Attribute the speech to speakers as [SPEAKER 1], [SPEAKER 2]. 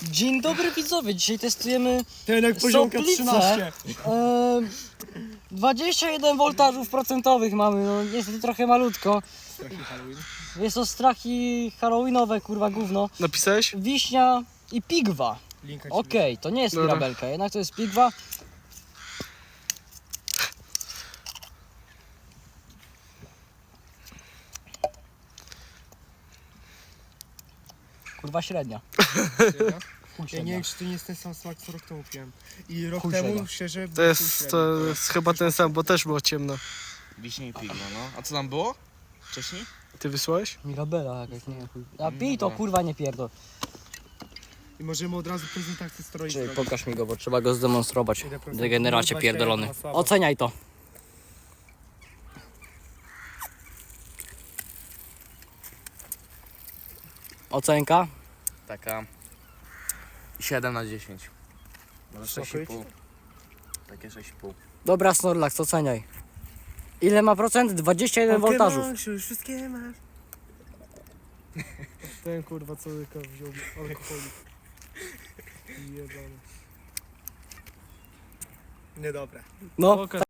[SPEAKER 1] Dzień dobry widzowie, dzisiaj testujemy
[SPEAKER 2] Ten jak poziomka
[SPEAKER 1] Soplicę.
[SPEAKER 2] 13.
[SPEAKER 1] 21 voltażów procentowych mamy, no niestety trochę malutko. Jest to strachy halloweenowe, kurwa gówno.
[SPEAKER 3] Napisałeś?
[SPEAKER 1] Wiśnia i pigwa.
[SPEAKER 2] Linka ci
[SPEAKER 1] Okej, to nie jest
[SPEAKER 3] Dobra.
[SPEAKER 1] mirabelka, jednak to jest pigwa. Kurwa średnia.
[SPEAKER 2] wysyła.
[SPEAKER 1] Chuj
[SPEAKER 2] Ja nie
[SPEAKER 1] średnia.
[SPEAKER 2] wiem, czy to nie jest ten sam smak, co rok temu piłem. I rok
[SPEAKER 1] Chuj
[SPEAKER 2] temu,
[SPEAKER 1] średnia.
[SPEAKER 2] szczerze,
[SPEAKER 3] To jest chyba ten sam, bo też było ciemno.
[SPEAKER 4] Wiśnie i pigno, no. A co tam było? Wcześniej?
[SPEAKER 3] Ty wysłałeś?
[SPEAKER 1] Mirabela jakaś, nie chuj. A pij to, kurwa nie pierdol.
[SPEAKER 2] I możemy od razu prezentację stroi
[SPEAKER 1] Czyli
[SPEAKER 2] zrobić.
[SPEAKER 1] pokaż mi go, bo trzeba go zdemonstrować.
[SPEAKER 2] Ile procent?
[SPEAKER 1] Degeneracie
[SPEAKER 2] 21
[SPEAKER 1] pierdolony.
[SPEAKER 2] ma słabo.
[SPEAKER 1] Oceniaj to. Ocenka?
[SPEAKER 4] Taka 7 na 10. Może
[SPEAKER 2] Sokryć?
[SPEAKER 4] 6,5. Takie 6,5.
[SPEAKER 1] Dobra, Snorlax, oceniaj. Ile ma procent? 21 voltażów.
[SPEAKER 2] Już wszystkie masz. Ten kurwa co łyka wziął alkoholik. Jebany. Niedobre.
[SPEAKER 1] No,